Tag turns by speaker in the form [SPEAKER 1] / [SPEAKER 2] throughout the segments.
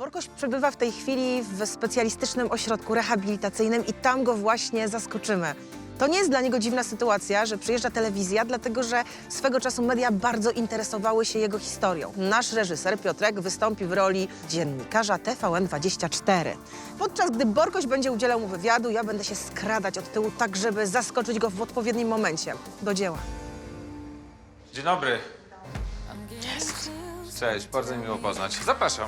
[SPEAKER 1] Borkoś przebywa w tej chwili w specjalistycznym ośrodku rehabilitacyjnym i tam go właśnie zaskoczymy. To nie jest dla niego dziwna sytuacja, że przyjeżdża telewizja, dlatego że swego czasu media bardzo interesowały się jego historią. Nasz reżyser Piotrek wystąpi w roli dziennikarza TVN24. Podczas gdy Borkoś będzie udzielał mu wywiadu, ja będę się skradać od tyłu tak, żeby zaskoczyć go w odpowiednim momencie. Do dzieła.
[SPEAKER 2] Dzień dobry. Cześć, bardzo miło poznać. Zapraszam.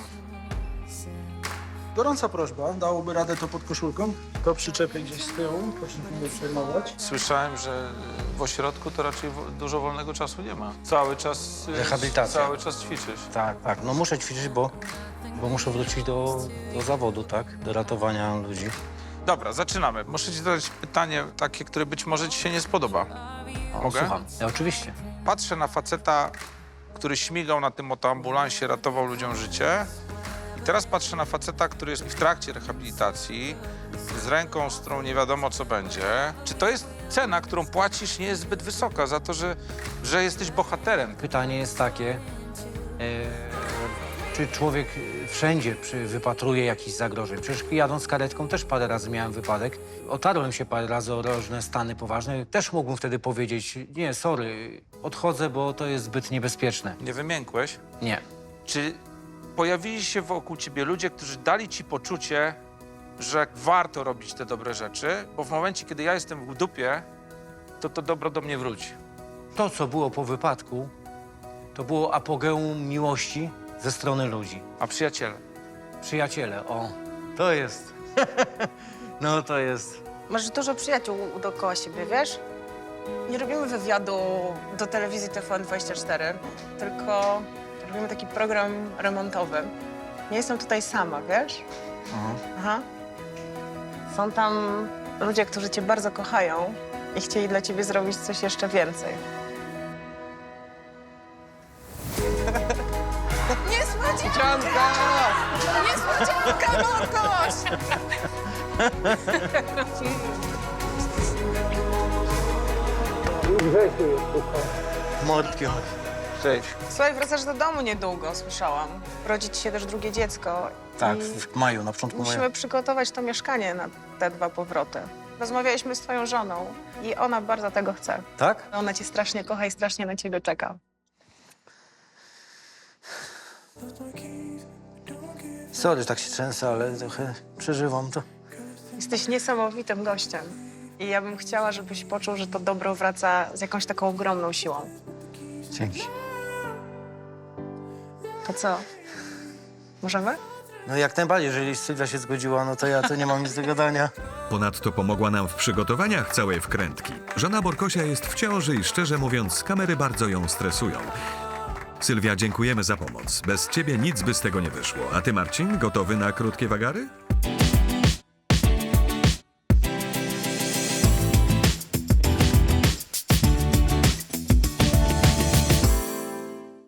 [SPEAKER 3] Gorąca prośba, dałoby radę to pod koszulką? To przyczepię gdzieś z tyłu, proszę nie przejmować.
[SPEAKER 2] Słyszałem, że w ośrodku to raczej dużo wolnego czasu nie ma. Cały czas...
[SPEAKER 4] Rehabilitacja.
[SPEAKER 2] Cały czas ćwiczysz.
[SPEAKER 4] Tak, tak. No muszę ćwiczyć, bo muszę wrócić do zawodu, tak? Do ratowania ludzi.
[SPEAKER 2] Dobra, zaczynamy. Muszę ci zadać pytanie takie, które być może ci się nie spodoba.
[SPEAKER 4] O,
[SPEAKER 2] Mogę?
[SPEAKER 4] Słucham. Ja, oczywiście.
[SPEAKER 2] Patrzę na faceta, który śmigał na tym motoambulansie, ratował ludziom życie. I teraz patrzę na faceta, który jest w trakcie rehabilitacji, z ręką, z którą nie wiadomo, co będzie. Czy to jest cena, którą płacisz, nie jest zbyt wysoka za to, że jesteś bohaterem?
[SPEAKER 4] Pytanie jest takie, czy człowiek wszędzie wypatruje jakichś zagrożeń? Przecież jadąc karetką też parę razy miałem wypadek. Otarłem się parę razy o różne stany poważne. Też mógłbym wtedy powiedzieć, nie, sorry, odchodzę, bo to jest zbyt niebezpieczne.
[SPEAKER 2] Nie wymiękłeś?
[SPEAKER 4] Nie.
[SPEAKER 2] Czy pojawili się wokół ciebie ludzie, którzy dali ci poczucie, że warto robić te dobre rzeczy, bo w momencie, kiedy ja jestem w dupie, to dobro do mnie wróci.
[SPEAKER 4] To, co było po wypadku, to było apogeum miłości ze strony ludzi.
[SPEAKER 2] A przyjaciele?
[SPEAKER 4] Przyjaciele, o, to jest. No to jest.
[SPEAKER 1] Masz dużo przyjaciół dookoła siebie, wiesz? Nie robimy wywiadu do telewizji TVN24, tylko robimy taki program remontowy. Nie jestem tutaj sama, wiesz? Aha. Są tam ludzie, którzy cię bardzo kochają i chcieli dla ciebie zrobić coś jeszcze więcej. Niespodzianka! Niespodzianka, Borkoś!
[SPEAKER 4] Mordki.
[SPEAKER 2] Cześć.
[SPEAKER 1] Słuchaj, wracasz do domu niedługo, słyszałam. Rodzi ci się też drugie dziecko.
[SPEAKER 4] Tak,
[SPEAKER 1] i
[SPEAKER 4] w maju, na początku maja.
[SPEAKER 1] musimy przygotować to mieszkanie na te 2 powroty. Rozmawialiśmy z twoją żoną i ona bardzo tego chce.
[SPEAKER 4] Tak?
[SPEAKER 1] Ona cię strasznie kocha i strasznie na ciebie czeka.
[SPEAKER 4] Sorry, tak się trzęsę, ale trochę przeżywam to.
[SPEAKER 1] Jesteś niesamowitym gościem. I ja bym chciała, żebyś poczuł, że to dobro wraca z jakąś taką ogromną siłą.
[SPEAKER 4] Dzięki.
[SPEAKER 1] To co? Możemy?
[SPEAKER 4] No jak najbardziej, jeżeli Sylwia się zgodziła, no to ja to nie mam nic do gadania.
[SPEAKER 5] Ponadto pomogła nam w przygotowaniach całej wkrętki. Żona Borkosia jest w ciąży i szczerze mówiąc, kamery bardzo ją stresują. Sylwia, dziękujemy za pomoc. Bez ciebie nic by z tego nie wyszło. A ty, Marcin, gotowy na krótkie wagary?